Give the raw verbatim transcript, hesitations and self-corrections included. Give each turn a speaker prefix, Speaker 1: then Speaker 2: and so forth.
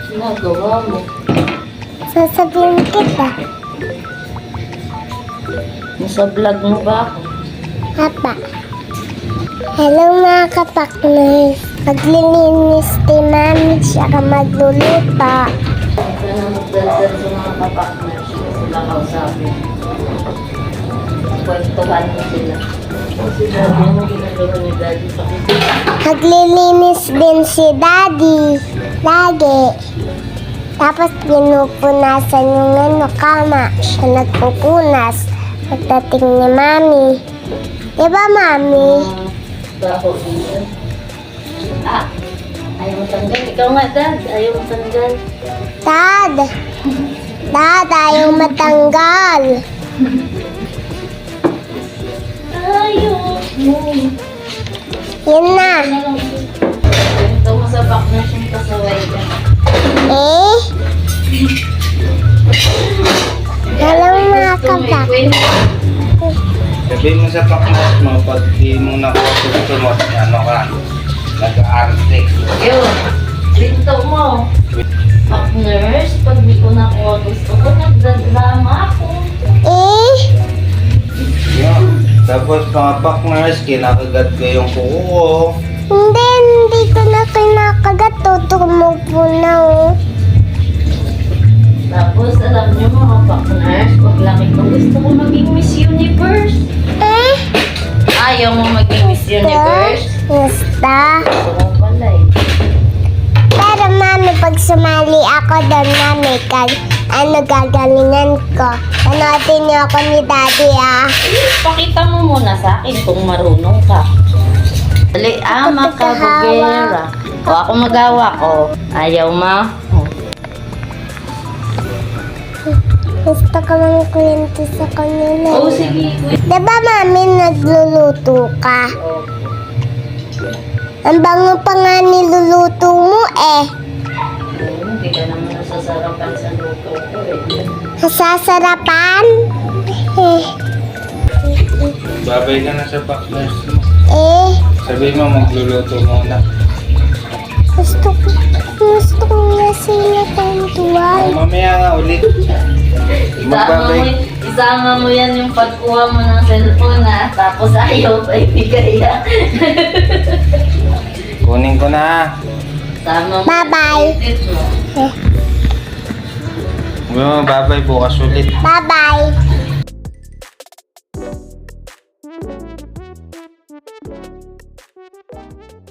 Speaker 1: Ginagawa mo.
Speaker 2: Sasabihin kita.
Speaker 1: Nasa vlog mo ba ako?
Speaker 2: Papa. Hello mga kapakners. Maglilinis si Mami siya ka magluluto.
Speaker 1: Huwag ka na magdaldal sa mga kapakners ko sila kausapin. Kwentuhan mo sila. Kasi daddy, ano ginagawa ni daddy sa kusina?
Speaker 2: Maglilinis din si Daddy. Lagi. Tapos pinupunasan yung ano, kama. Siya nagpupunas. Pagdating ni Mami. Diba, Mami?
Speaker 1: Baho din. Ah, ayaw mo tanggal. Ikaw nga, Dad. Ayaw mo tanggal.
Speaker 2: Dad. Dad, ayaw matanggal.
Speaker 1: Ayaw mo.
Speaker 2: Yun na.
Speaker 1: Ito mo sa partners yung kasaway ka.
Speaker 2: Eh? Hello mga kapak.
Speaker 3: Sabihin mo sa partners mo, pag di mo nakuha gusto mo, ano ka, nag-arte.
Speaker 1: Yun. Dito mo. Partners, pag di ko nakuha gusto ko, nagdadrama ako.
Speaker 2: Eh?
Speaker 3: Yun. Tapos mga partners, kinakagat ko yung kuko ko.
Speaker 2: Hindi, hindi ko na kinakagat. Tutumo po na oh.
Speaker 1: Tapos, alam niyo mga partners, pag laki ko gusto ko maging Miss Universe.
Speaker 2: Eh?
Speaker 1: Ayaw mo maging Miss Universe?
Speaker 2: Gusta.
Speaker 1: Gusto mo pala eh.
Speaker 2: Pero mami, pag sumali ako doon, mami, kag, ano gagalingan ko. Panoodin niyo ako ni Daddy ah.
Speaker 1: Pakita mo muna sa akin kung marunong ka. Dali, ama ka, bugera. O ako magawa ko. Ayaw ma?
Speaker 2: Gusto ko lang kwento sa kanila.
Speaker 1: Oo, sige.
Speaker 2: Diba mami, nagluluto ka?
Speaker 1: Oh.
Speaker 2: Ang bango pa nga niluluto mo eh.
Speaker 1: Hindi ka naman nasasarapan sa luto ko eh.
Speaker 2: Sasarapan? Eh,
Speaker 3: Babay ka na sa partners mo.
Speaker 2: eh,
Speaker 3: Sabihin mo, magluluto muna.
Speaker 2: gusto ko, gusto ko nga sila kwentuhan.
Speaker 3: Oh, mamaya nga ulit.
Speaker 1: Isama mo,
Speaker 3: Magbabay.
Speaker 1: isama mo yan yung pagkuha mo ng cellphone ha. Tapos ayaw pa ibigay ha.
Speaker 3: Kunin ko na.
Speaker 1: Sama mo.
Speaker 2: Bye-bye.
Speaker 1: Edit mo.
Speaker 2: Eh,
Speaker 3: Oh, babay, bukas ulit.
Speaker 2: bye-bye.